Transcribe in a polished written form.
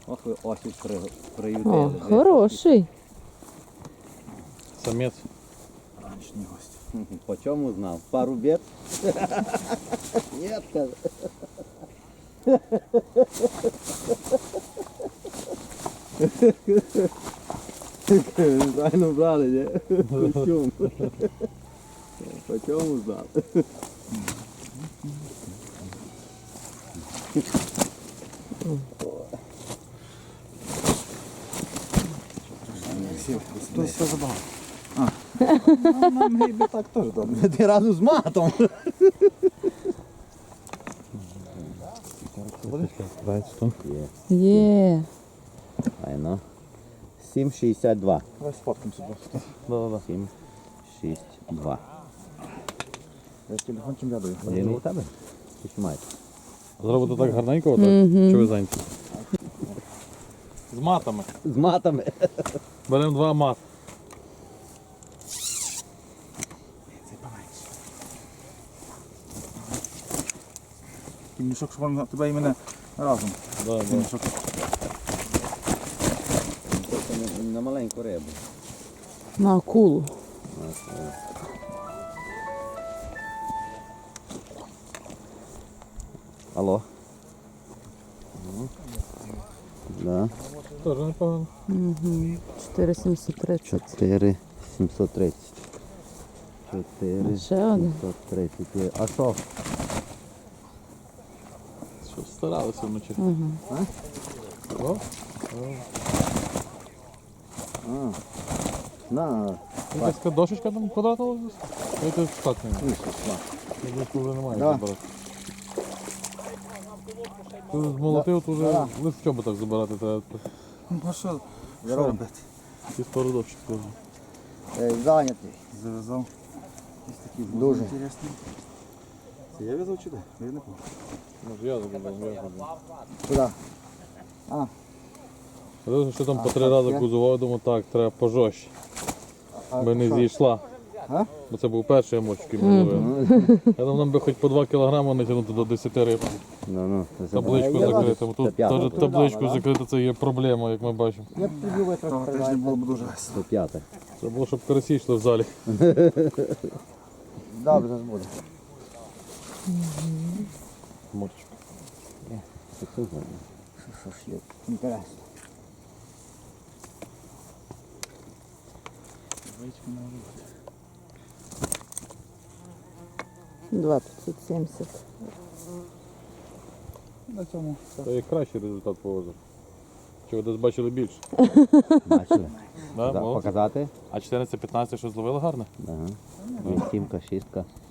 Ох, ви осінь приютили. О, хороший. Самець. Ранішній гость. По чому знав? Пару бед? Нет, каже. Правильно брали, не? Костюм. По чому знав? Тут все забагато. Нам гриби так теж добре. Ти разом з матом. Є. Айно. 7,62. Давай сфоткаємося просто. Да-да-да. 7,62. Я з телефончиком рядую. Один у тебе? Чи що маєте? Зробити так гарненько, отак? Чи ви зайняті? З матами. З матами. Беремо 2 мат. Такий мішок, щоб він тебе і мене разом. Да, Такий да. мішок. На маленьку рибу. На акулу. Алло. Да. Теж непогано. Угу. 4730. 4,730. 4,730. Ще один. А що? Що старалися вночі. Угу. О, На. якась така дошечка там квадратна лежить? Я тут штатний. Я думаю, що вже немає Да. забирати. Ти змолотив, то вже лише в чоботах забирати треба. Ну а що Здорово. робити? Ті пару дощик теж. Зайнятий. Зав'язав. Ось такий Дуже. інтересний. Це я в'язав чи де? Я не пам'ятаю. Може я забирав, я забирав. Куди? Я що там по 3 рази кузував, думаю, так, треба пожорстче. Би не зійшла. А? Бо це був перший емоч, який ми ловили. Я думав, нам би хоч по 2 кілограми натягнути до 10 риб. Табличку закрити. Тут теж табличку закрити це є проблема, як ми бачимо. Я б тобі Того тижня було б дуже весело. 105. Це було, щоб карасі йшли в залі. Добре, зараз буде. Морчик. Що ж є? Інтересно. Вички не може бути. 2570. На цьому все. Це є кращий результат по озеру. Чи ви десь бачили більше? Бачили? Да, молодці. Показати? А 14-15 що зловили гарно? Ага. Сімка, шістка.